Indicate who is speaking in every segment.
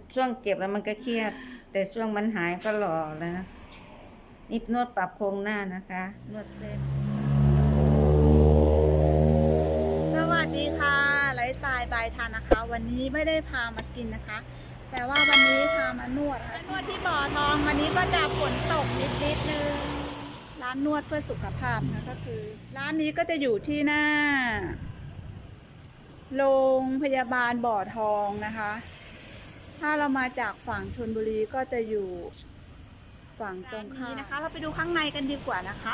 Speaker 1: ช่วงเก็บแล้วมันก็เครียด แต่ช่วงมันหายก็หล่อแล้วนะนี่นวดปรับโครงหน้านะคะนวดเส้น
Speaker 2: สวัสดีค่ะไลฟ์สไตล์บายทานนะคะ วันนี้ไม่ได้พามากินนะคะ แต่ว่าวันนี้พามานวดค่ะนวดที่บ่อทองวันนี้ก็จะฝนตกนิดนึงร้านนวดเพื่อสุขภาพนะก็คือร้านนี้ก็จะอยู่ที่หน้าโรงพยาบาลบ่อทองนะคะ ถ้าเรามาจากฝั่งชลบุรีก็จะอยู่ฝั่งตรงข้ามนะคะ เราไปดูข้างในกันดีกว่านะคะ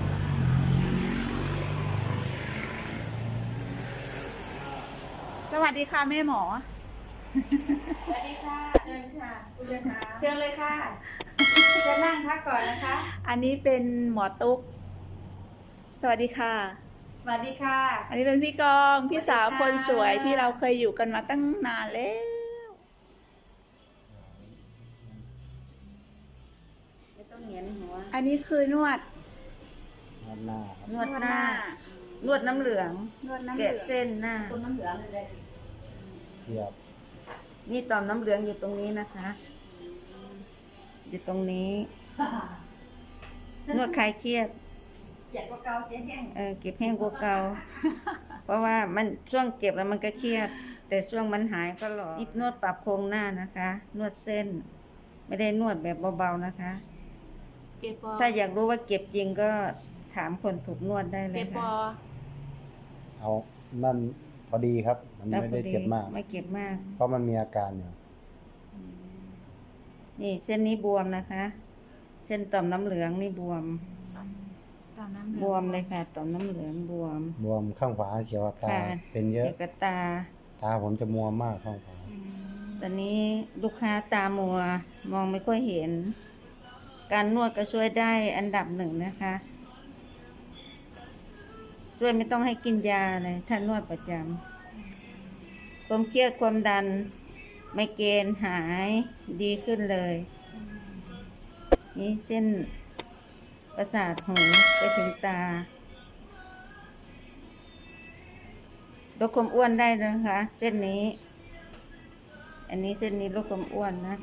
Speaker 2: สวัสดีค่ะแม่หมอ
Speaker 3: สวัสดีค่ะ
Speaker 2: เชิญค่ะคุณเลยค่ะ
Speaker 3: เชิญเลยค่ะ จะนั่งพักก่อนนะคะ
Speaker 2: อันนี้เป็นหมอตุ๊ก สวัสดีค่ะ
Speaker 3: สวัสดีค่ะ
Speaker 2: อันนี้เป็นพี่กองพี่สาวคนสวยที่เราเคยอยู่กันมาตั้งนานแล้ว
Speaker 1: ไม่ต้องเหงียนหัว
Speaker 2: อันนี้คือนวด
Speaker 4: หน้าครับ
Speaker 1: นวดหน้า นวดน้ำเหลือง
Speaker 2: นวดน้ำเหลื
Speaker 1: แกะ
Speaker 2: อง
Speaker 1: เส้นหน้า
Speaker 3: คุณน้ำเหลืองเลย
Speaker 4: เทียบ
Speaker 1: นี่ต่อมน้ำเหลืองอยู่ตรงนี้นะคะ อยู่ตรงนี้ นวดคลายเครียด
Speaker 3: เกียดก็เกาเจ๊แห้ง
Speaker 1: เก็บแห้งกว่าเก่า เพราะว่ามันช่วงเก็บแล้วมันก็เครียด แต่ช่วงมันหายก็หล่อนี่นวดปรับโครงหน้านะคะ นวดเส้น ไม่ได้นวดแบบเบาๆนะคะ
Speaker 2: เก็บปอ
Speaker 1: ถ้าอยากรู้ว่าเก็บจริงก็ถามคนถูกนวดได้เล
Speaker 2: เก็
Speaker 1: ย
Speaker 2: บป
Speaker 1: ค่ะ
Speaker 2: อ
Speaker 4: เอานั่นพอดีครับ มันไม่ได้เจ็บมาก
Speaker 1: ไม่เจ็บมาก
Speaker 4: เพราะมันมีอาการอยู่
Speaker 1: นี่เส้นนี้บวมนะคะ เส้นต่อมน้ำเหลืองนี่บวม
Speaker 2: ตามน้ำเหลือง
Speaker 1: บวมเลยค่ะ ต่อมน้ำเหลืองบวม
Speaker 4: บวมข้างขวาเขียวตา
Speaker 1: ค่ะ
Speaker 4: เป็นเยอะ
Speaker 1: เกี่ยวกับตา
Speaker 4: ตาผมจะมัวมากข้างขวา
Speaker 1: ตอนนี้ลูกค้าตามัว มองไม่ค่อยเห็น การนวดก็ช่วยได้อันดับหนึ่งนะคะ ช่วยไม่ต้องให้กินยาเลยถ้านวดประจำความเครียดความดันไมเกรนหายดีขึ้นเลย นี่เส้นประสาทหูไปถึงตาลดความอ้วนได้นะคะ เส้นนี้ อันนี้เส้นนี้ลดความอ้วนนะ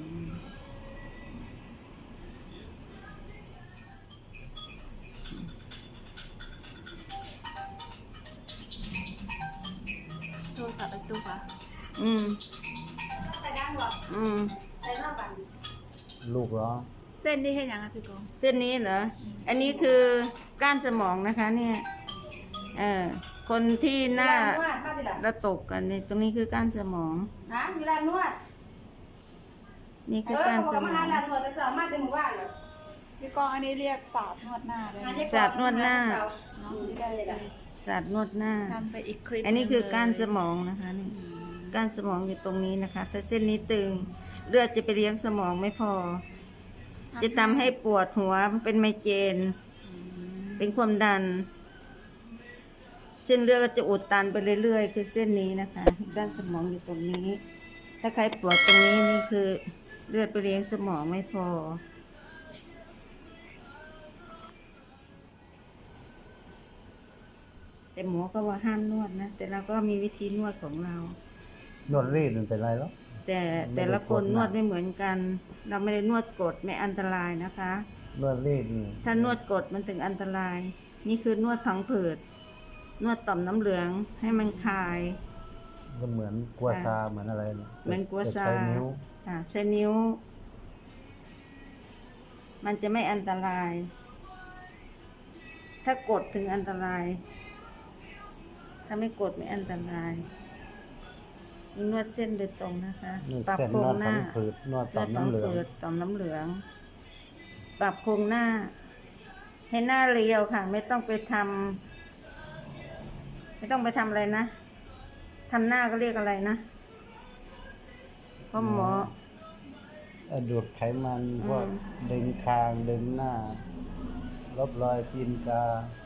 Speaker 2: โทษค่ะไปตุ๊กค่ะ
Speaker 1: อืม
Speaker 3: ไปด้านหรอ
Speaker 1: อืม
Speaker 3: ใช้หน้าบัน
Speaker 4: ลูกร้อง
Speaker 2: เส้นนี้ให้ยังไงพี่กอง
Speaker 1: เส้นนี้เหรอ อันนี้คือก้านสมองนะคะ เนี่ยคนที่หน้า
Speaker 3: เวลานวดมาดิล่ะ
Speaker 1: ระตกกันนี่ตรงนี้คือก้านสมอง
Speaker 3: ฮะเวลานวด
Speaker 1: นี่คือ
Speaker 3: เขา
Speaker 1: ก้าน
Speaker 3: บอก
Speaker 1: ส
Speaker 3: ว่าม
Speaker 1: อ
Speaker 3: หาง ลานวดแต่สามารถจะหมู่บ้านเหรอ
Speaker 2: พี่กองอันนี้เรียกศาสตร์นวดหน้าเลยนะ
Speaker 1: ศาสตร์นวดหน้า
Speaker 3: อยู่ได้เลยล่ะ
Speaker 1: ศาสตร์นวดหน้า
Speaker 2: ทำไปอีกคลิป
Speaker 1: อันนี้คือก้านส
Speaker 2: หง
Speaker 1: มองนะคะนี่ก้านสมองอยู่ตรงนี้นะคะ ถ้าเส้นนี้ตึง เลือดจะไปเลี้ยงสมองไม่พอ จะทำให้ปวดหัวเป็นไมเกรน เป็นความดัน เส้นเลือดก็จะอุดตันไปเรื่อยๆ คือเส้นนี้นะคะด้านสมองอยู่ตรงนี้ ถ้าใครปวดตรงนี้นี่คือเลือดไปเลี้ยงสมองไม่พอ แต่หมอก็ว่าห้ามนวดนะ แต่เราก็มีวิธีนวดของเรา
Speaker 4: นวดรีดมันเป็นไรหรอ
Speaker 1: แต่ละคนนวดไม่เหมือนกัน เราไม่ได้นวดกดไม่อันตรายนะคะ
Speaker 4: นวดรีดนี่
Speaker 1: ถ้านวดกดมันถึงอันตราย นี่คือนวดผังผืด นวดต่อมน้ำเหลืองให้มันคลาย
Speaker 4: ก็เหมือนกัวซาเหมือนอะไรนะ
Speaker 1: เหมือนกัวซา
Speaker 4: ใช้นิ้ว
Speaker 1: ค่ะใช้นิ้ว มันจะไม่อันตราย ถ้ากดถึงอันตราย ถ้าไม่กดไม่อันตรายนี่นวดเส้นโดยตรงนะคะ
Speaker 4: นวด
Speaker 1: ปรับ
Speaker 4: เส้น
Speaker 1: โคร
Speaker 4: น
Speaker 1: ง
Speaker 4: วด
Speaker 1: ห
Speaker 4: ฝั
Speaker 1: น้า
Speaker 4: งผืดนวดต่อมน้ำเหลือง
Speaker 1: ต่อมน้ำเหลือง ปรับโครงหน้า ให้หน้าเรียวค่ะ ไม่ต้องไปทำไม่ต้องไปทำอะไรนะทำหน้าก็เรียกอะไรนะเพราะหมอ
Speaker 4: ดูดไขมันพวก
Speaker 1: อืม
Speaker 4: ดึงคางดึงหน้า ลบรอยตีนกา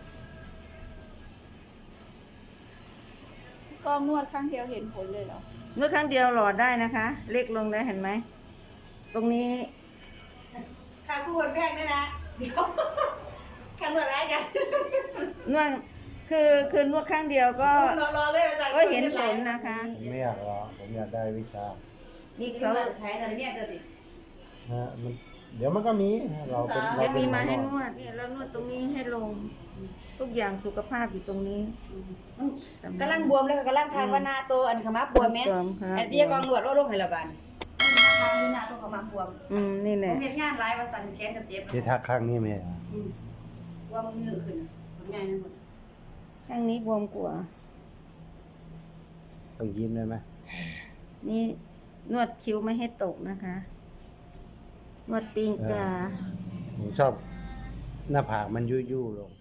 Speaker 2: พี่กองนวดข้างเดียวเห็นผลเลยเหรอ
Speaker 1: นวดครั้งเดียวหลอดได้นะคะ เล็กลงได้เห็นไหม ตรงนี้
Speaker 3: ค่าคู่วันแพงด้วยนะ เดี๋ยวค่านวดอะไรกัน
Speaker 1: นวดคือนวดครั้งเดียวก็
Speaker 3: รอเลยอาจารย์
Speaker 1: ก็เห็นผลนะคะ
Speaker 4: ผมไม่อยากรอผมอยากได้วิชา
Speaker 1: นี่
Speaker 3: นี่
Speaker 1: เขา
Speaker 3: เขาไทยอะไรเนี่ยเดี๋ยวดิ
Speaker 4: มันเดี๋ยวมันก็มีเราเป็น
Speaker 1: จะ
Speaker 4: เราเป็
Speaker 1: มี
Speaker 4: นหม
Speaker 1: มา
Speaker 4: อน
Speaker 1: ให้
Speaker 4: วด
Speaker 1: นวดเนี่ยแล้วนวดตรงนี้ให้ลง ทุกอย่างสุขภาพอยู่ตรงนี้
Speaker 3: กำลังบวมเลยกำลังทางว่าหน้าโตอันขมับบวมไหม
Speaker 1: บวมครับ
Speaker 3: อันเบี้ยกองหลวดโรคไฮระบาลทางนี้หน้าโตขมับบวม
Speaker 1: นี่แห
Speaker 3: ผ
Speaker 1: ละ
Speaker 3: มเห็นงานร้ายว่าสั่นแขนกับเจ็บ
Speaker 4: ที่ทักข้างนี้ไหม
Speaker 3: ว่ามึงเงือกขึ้นผมใหญ่นั่นหมด
Speaker 1: ข้างนี้บวมกว่า
Speaker 4: ต้องยิ้มด้วยไหม
Speaker 1: นี่นวดคิ้วไม่ให้ตกนะคะ นวดตีนกา
Speaker 4: ผมชอบหน้าผากมันยุ่ยๆลง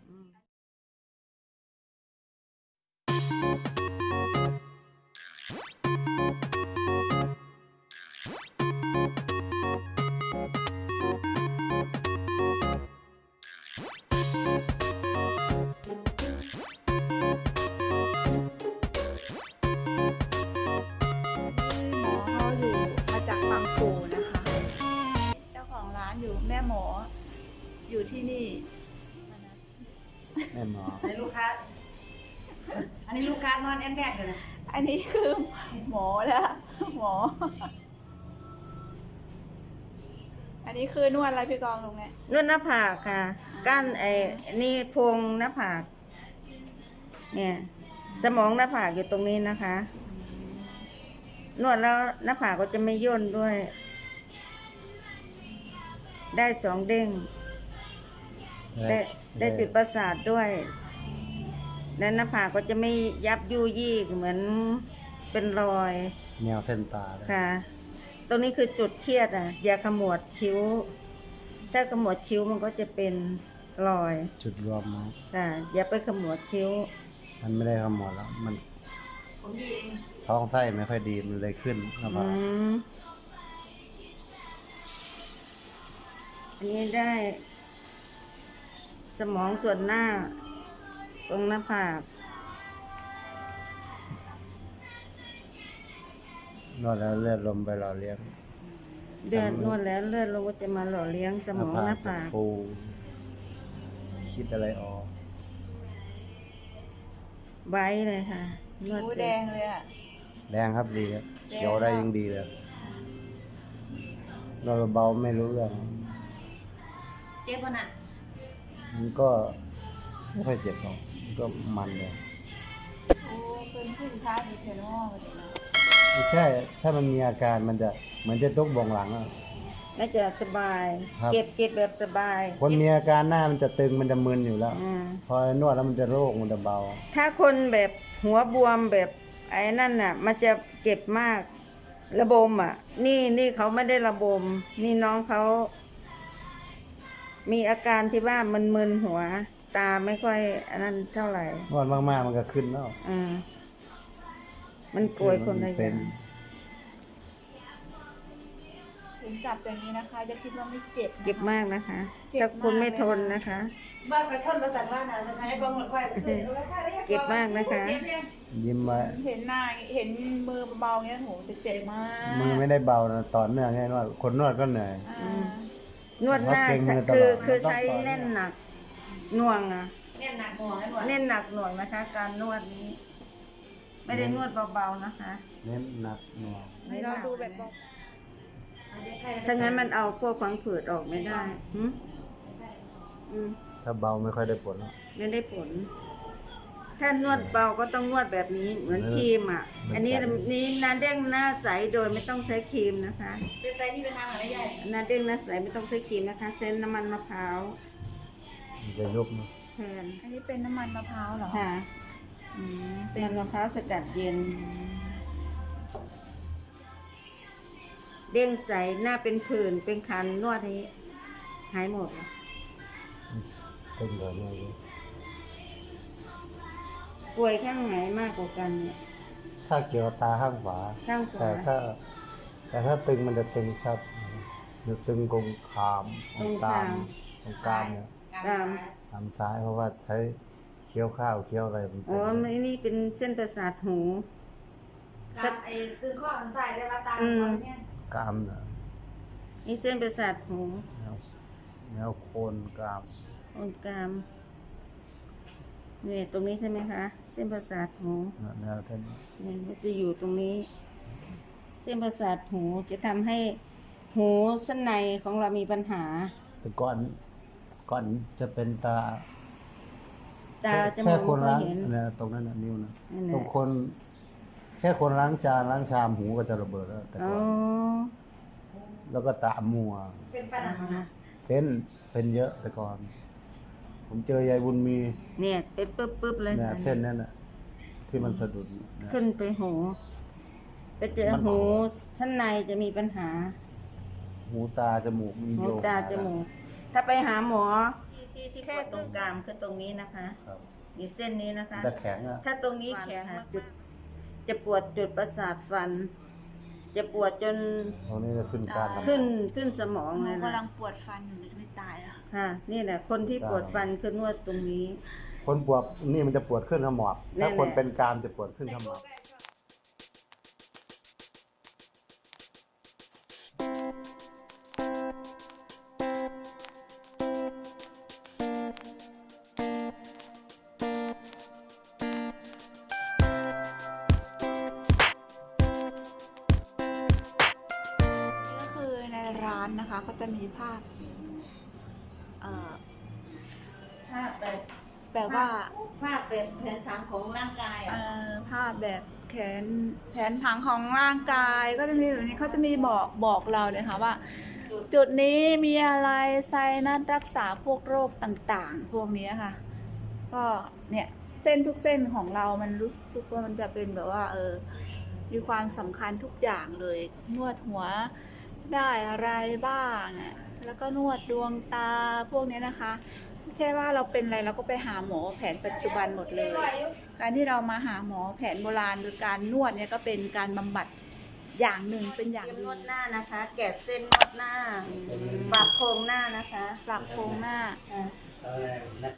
Speaker 2: หมอเขาอยู่มาจากบางปูนะคะ เจ้าของร้านอยู่แม่หมออยู่ที่นี่
Speaker 4: แม่หมอ
Speaker 3: อันนี้ลูกค้า อันนี้ลูกค้านอนแอนแบดกันนะ
Speaker 2: อันนี้คือหมอแล้วหมอ อันนี้คือนวดอะไรพี่กองลุงเนี่ย
Speaker 1: นวดหน้าผากค่ะ กั้นนี่โพรงหน้าผาก เนี่ย สมองหน้าผากอยู่ตรงนี้นะคะ นวดแล้วหน้าผากก็จะไม่ย่นด้วย ได้2 เด้ง ได้จุดประสาทด้วย และหน้าผากก็จะไม่ยับยุยี่เหมือนเป็นรอย
Speaker 4: แนวเส้นตาเลย
Speaker 1: ค่ะ ตรงนี้คือจุดเครียดอ่ะ อย่าขมวดคิ้ว ถ้าขมวดคิ้วมันก็จะเป็นรอย
Speaker 4: จุดรวมมั้ง
Speaker 1: ค่ะ อย่าไปขมวดคิ้ว
Speaker 4: มันไม่ได้ขมวดแล้ว มัน
Speaker 3: ผมดีเอง
Speaker 4: ท้องไส้ไม่ค่อยดีมันเลยขึ้นหน้าผาก
Speaker 1: อันนี้ได้ สมองส่วนหน้า ตรงหน้าผาก
Speaker 4: นวดแล้วเลือดลมไปหล่อเลี้ยง
Speaker 1: เลือดนวดแล้วเลือดลงก็จะมาหล่อเลี้ยงสมองหน้า
Speaker 4: จะ
Speaker 1: ผาก
Speaker 4: ฟูคิดอะไรออก
Speaker 1: ไว้เลยค่ะ นวด
Speaker 2: หู
Speaker 1: เส
Speaker 2: แด
Speaker 1: ร็จ
Speaker 2: งเลยอ่ะ
Speaker 4: แดงครับดีครับเขียวได้ยิ่งดีเลยนวดเบาๆไม่รู้เรื่อง
Speaker 3: เจ็บป่ะน่ะ
Speaker 4: มันก็ไม่ค่อยเจ็บหรอกมันก็มันเลย
Speaker 2: โอ้เป็นผู้ชายดีเทนอลเลยนะ
Speaker 4: ไม่ใช่ ถ้ามันมีอาการมันจะเหมือนจะตุกบ่งหลังอะ
Speaker 1: น่าจะสบาย
Speaker 4: ครับ
Speaker 1: เก็บแบบสบาย
Speaker 4: คนมีอาการหน้ามันจะตึงมันจะมึนอยู่แล้ว
Speaker 1: อ่า
Speaker 4: พอนวดแล้วมันจะโรคมันจะเบา
Speaker 1: ถ้าคนแบบหัวบวมแบบไอ้นั่นน่ะ มันจะเก็บมาก ระบมอ่ะ นี่เขาไม่ได้ระบม นี่น้องเขามีอาการที่ว่ามึนๆหัว ตาไม่ค่อยอันนั้นเท่าไหร่
Speaker 4: นวดมากๆมันก็ขึ้นแล้ว
Speaker 1: อ่า มันโกยคนละอ
Speaker 4: เป็
Speaker 1: ย่าน ง
Speaker 2: ถึงจับอย่างนี้นะคะจะคิดว่าไม่เจ็บนะคะ
Speaker 1: เจ็บมากนะคะ
Speaker 2: เจ็บ
Speaker 1: ถ้าคุณไม่
Speaker 2: มากเลย
Speaker 1: ทนนะคะ
Speaker 3: บ้านก็ทนประสานว่านะจะใช้กองหมดควาย
Speaker 1: เจ็บมากนะคะ
Speaker 3: เจ็บเลย
Speaker 4: ยิ้มไว้
Speaker 2: เห็นหน้าเห็นมือเบาๆเงี้ยโหจะเจ็บมาก
Speaker 4: มือไม่ได้เบานะต่อเนื่องไงนวดคนนวดก็เหนื่อย
Speaker 2: อ่า
Speaker 1: นวดหน้า
Speaker 4: เพราะเกร็งมือตลอด
Speaker 1: คือ
Speaker 4: มันต้อง
Speaker 1: ใช้
Speaker 4: ต่อ
Speaker 1: แน่นหนักหน่วงอ่ะ
Speaker 3: แน่นหนักหัวกันหมด
Speaker 1: เน้นหนักหน่วงนะคะ การนวดนี้ ไม่ได้นวดเบาๆนะคะ
Speaker 4: เน้นหนักหน่วง
Speaker 2: ให้เราดูแบบบอก
Speaker 1: ถ้างั้นมันเอาพวกฟังผืดออกไม่ได้หึอืม
Speaker 4: ถ้าเบาไม่ค่อยได้ผลหรอก
Speaker 1: ไม่ได้ผล ถ้านวดเบาก็ต้องนวดแบบนี้ เหมือนครีมอ่ะ อันนี้หน้าเด้งหน้าใสโดยไม่ต้องใช้ครีมนะคะ
Speaker 3: เป็นไซนี่เป็นทางอะไรใหญ่
Speaker 1: หน้าเด้งหน้าใสไม่ต้องใช้ครีมนะคะเส้นน้ำมันมะพร้าว
Speaker 4: มันจะยุบนะ
Speaker 1: แทน
Speaker 2: อันนี้เป็นน้ำมันมะพร้าวเหรอ
Speaker 1: ค่ะ
Speaker 2: อืม
Speaker 1: เป็นมะพร้าวสกัดเย็น เด้งใสหน้าเป็นผื่นเป็นคันนวดให้หายหมด
Speaker 4: ตึงเดี๋ยวนี้อยู่
Speaker 1: ป่วยข้างไหนมากกว่ากันเนี่ย
Speaker 4: ถ้าเกี่ยวกับตาข้างขวา
Speaker 1: ข้างข
Speaker 4: แต่
Speaker 1: วา
Speaker 4: ถ้าตึงมันจะตึงชัดจะตึงกงขามตรงกลางตรงกลางเนี่ย ทางซ้ายเพราะว่าใช้เคี้ยวข้าวเคี้ยวอะไรมัน
Speaker 1: อ๋อ
Speaker 4: เป็น
Speaker 1: นี่เป็นเส้นประสาทหู
Speaker 3: กับไอ้คือข้อมันใส่ได้ว่าตาเนี่ย
Speaker 4: กรามเนี่ย
Speaker 1: นี่เส้นประสาทหู
Speaker 4: แนวโคนกราม
Speaker 1: ตรงกลางเนี่ยตรงนี้ใช่ไหมคะ เส้นประสาทหู
Speaker 4: แนวเท่านี้
Speaker 1: เนี่ยมันจะอยู่ตรงนี้เส้นประสาทหูจะทำให้หูชั้นในของเรามีปัญหา
Speaker 4: แต่ก่อนจะเป็นตา
Speaker 1: ตาจมู
Speaker 4: แค่
Speaker 1: ก
Speaker 4: คน
Speaker 1: ก็
Speaker 4: ล้าง
Speaker 1: เห็น
Speaker 4: เนี่ยตรงนั้นน่ะนิ้วนะ
Speaker 1: นั่นแหละ
Speaker 4: ตรงคนแค่คนล้างจานล้างชามหูก็จะระเบิดแล้วแต่
Speaker 1: อ๋อ
Speaker 4: ก่อนแล้วก็ตามัว
Speaker 3: เป็นปัญหา
Speaker 4: เป็นเยอะแต่ก่อน ผมเจอยายบุญมี
Speaker 1: เนี่ยเป็นปึ๊บๆเลย
Speaker 4: เนี่ยเส้นนั้นน่ะที่มันสะดุดเนี่ย
Speaker 1: ขึ้นไปหูไปเจอ
Speaker 4: มัน
Speaker 1: หูชั้นในจะมีปัญหา
Speaker 4: หูตาจมูกมัน
Speaker 1: หู
Speaker 4: โยก
Speaker 1: ตาจมูกถ้าไปหาหมอที่แค่ตรงกลางคือตรงนี้นะคะ
Speaker 4: ครับ
Speaker 1: มีเส้นนี้นะคะ
Speaker 4: จะแข็งอ่ะ
Speaker 1: ถ้าตรงนี้แข็งจุดจะปวดจุดประสาทฟัน จะปวดจน
Speaker 4: ตรงนี้จะขึ้นการทำ
Speaker 1: ขึ้นสมอง
Speaker 2: หนู
Speaker 1: เลย
Speaker 2: กำลั
Speaker 1: นะ
Speaker 2: งปวดฟันอยู่ไม่ตายแล้ว
Speaker 1: ค่ะ นี่แหละคนที่ปวดฟันคือนวดตรงนี้
Speaker 4: คนปวดนี่มันจะปวดขึ้นขมอบ
Speaker 1: นั่
Speaker 4: ถ้าน
Speaker 1: แหละ
Speaker 4: คนเป็นกรามจะปวดขึ้นขมอบ
Speaker 2: นี่ก็คือในร้านนะคะก็จะมีภาพ
Speaker 1: ภาพแบบ
Speaker 2: แบบว่า
Speaker 1: ภาพแบบแผนผังของร่างกายอ่ะ
Speaker 2: ภาพแบบแผนผังของร่างกายก็จะมีแบบนี้เขาจะมีบอกเราเลยค่ะว่า จุดนี้มีอะไรไซนัสรักษาพวกโรคต่างๆ พวกนี้ค่ะ ก็เนี่ยเส้นทุกเส้นของเรามันรู้สึกว่ามันจะเป็นแบบว่ามีความสำคัญทุกอย่างเลย นวดหัวได้อะไรบ้างเนี่ยแล้วก็นวดดวงตาพวกนี้นะคะไม่ใช่ว่าเราเป็นอะไรเราก็ไปหาหมอแผนปัจจุบันหมดเลย การที่เรามาหาหมอแผนโบราณโดยการนวดเนี่ยก็เป็นการบำบัดอย่างหนึ่งเป็นอย่าง
Speaker 1: เตรียม
Speaker 2: ดี
Speaker 1: นวดหน้านะคะ แกะเส้นนวดหน้าปรับโครงหน้านะคะ
Speaker 2: ปรับโครงหน้า
Speaker 1: อ่ะ